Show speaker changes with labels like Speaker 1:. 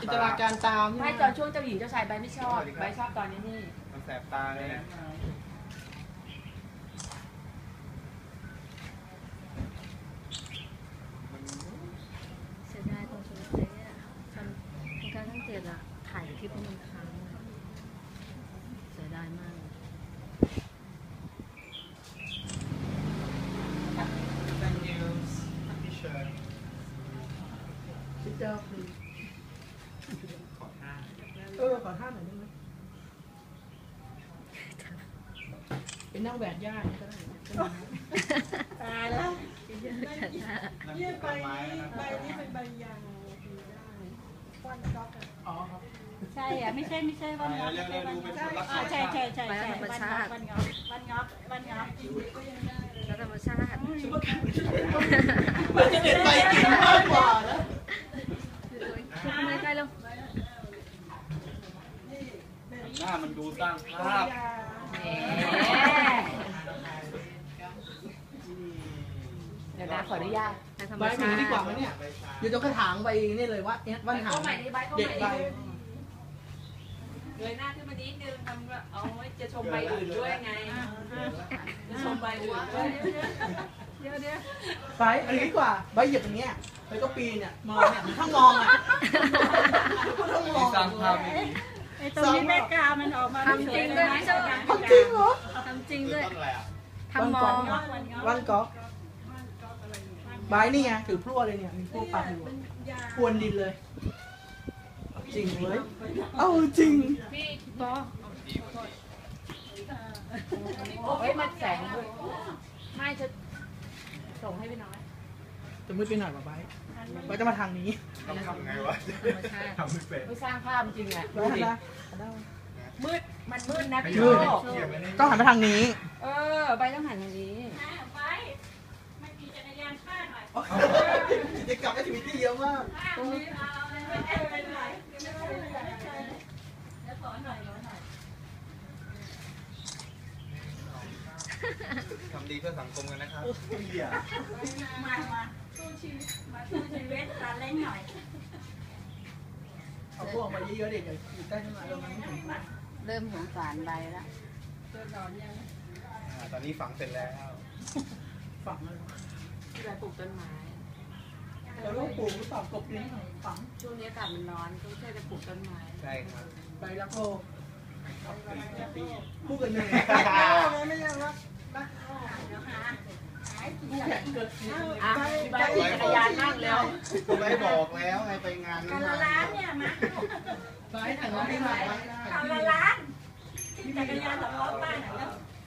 Speaker 1: จินตนาการตาม
Speaker 2: ไม่ตอนช่วงเจ้าหญิงเจ้าชายใบไม่ชอบใบชอบตอนนี้นี่
Speaker 3: มันแสบตาเลย
Speaker 4: เสียดายตรงสุดท้ายเนี่ยการทั้ง7อะถ่ายคลิปมันค้างเสียดายมาก
Speaker 1: พี่เจ้าคือขอท่าหน่อยได้ไหมเป็นนั่งแหวกย่าก็ได้ตายแล้วนี่ใบนี้เป็นใบยางได้วันก๊อกอ๋อครับ
Speaker 5: ใช่อ่ะไม่ใช่วันงอกใช่วันงอก
Speaker 4: แล้วธรรมชาติ
Speaker 1: มันจะเด็ดใบกินมากกว่านะ
Speaker 4: ไม่ใกล้แล้ว
Speaker 3: หน้ามันดูสร้างภาพ
Speaker 2: เดี๋ยวนะขออนุญาต
Speaker 1: ใบหนึ่งดีกว่าไหมเนี่ยอยู่ตรงกระถางใบนี่เลยว่าวันหางเด็ดใบ
Speaker 2: เลยหน้าขึ้นมานิดนึงทำเอาไว้จะชมใบอื่นด้วยไงจะชมใบอื่นด้วย
Speaker 5: เดี๋ยว
Speaker 1: ใบอันนี้ดีกว่าใบเหยียบอย่างเงี้ยใบก็ปีนเนี่ยมองเนี่ยถ้ามองอ่ะต้องมอง
Speaker 3: สร้างภาพ
Speaker 5: ไอ้ตรงนี้แม่กามันออกมา
Speaker 4: ทำจริงด้วย
Speaker 1: ทำจริงเหรอ
Speaker 4: ทำจริงด้วย
Speaker 3: ต้นอะไรอ่ะ
Speaker 4: ทำมอง
Speaker 1: วันก๊อกใบนี่ไงถือพลั่วเลยเนี่ยมีพลั่วปากอยู่พรวนดินเลยจริงเลยเอาจริง
Speaker 2: พี่ปอเฮ้ยมันแสงไม่จะส่งให้พี่น้อย
Speaker 1: จะมืดไปหน่อยป่ะใบจะมาทางนี้
Speaker 3: ทำไงวะทำไม่เป็น
Speaker 2: ไม่สร้างภาพจริงอ่ะมืดมันมืดนะพี่
Speaker 1: ต้องหันไปทางนี้
Speaker 2: ใบต้องหันทางนี้
Speaker 5: ไม่มีจักรยานข้าหน่อย
Speaker 1: กิจกรรมแอคทิวิตี้เยอะมาก
Speaker 3: ทำดีเพื่อสังคมกันนะครับ
Speaker 5: มาสู้ชีวิตตาเล่นหน่อย
Speaker 1: เอาพวกมาเยอะๆเด็กอยู่ใต้ต้นไม้เรา
Speaker 4: เริ่มสงสารใบแล้ว
Speaker 3: ตอนนี้ฝังเสร็จแล้ว
Speaker 1: ฝังเลย
Speaker 2: ที่เราปลูกต้นไม้
Speaker 1: แล้วลูกปลูกหรือเปล่ากบลิ้นฝัง
Speaker 2: ช่วงนี้อากาศมันร้อนต้องช่วยกันปลูกต้นไม้
Speaker 3: ใช่ครับ
Speaker 1: ใบรักโลกพูดกันยังไงไม่ยังรัก
Speaker 2: ใบขี่จักรยานนั่งแล้ว
Speaker 3: ไม่บอกแล้วไงไปงาน
Speaker 5: กันละล้านเนี่ยมา
Speaker 1: ใบถังน้ำที่ไหน
Speaker 5: กันละล้านจักรยานสำล้อบ้านแล้ว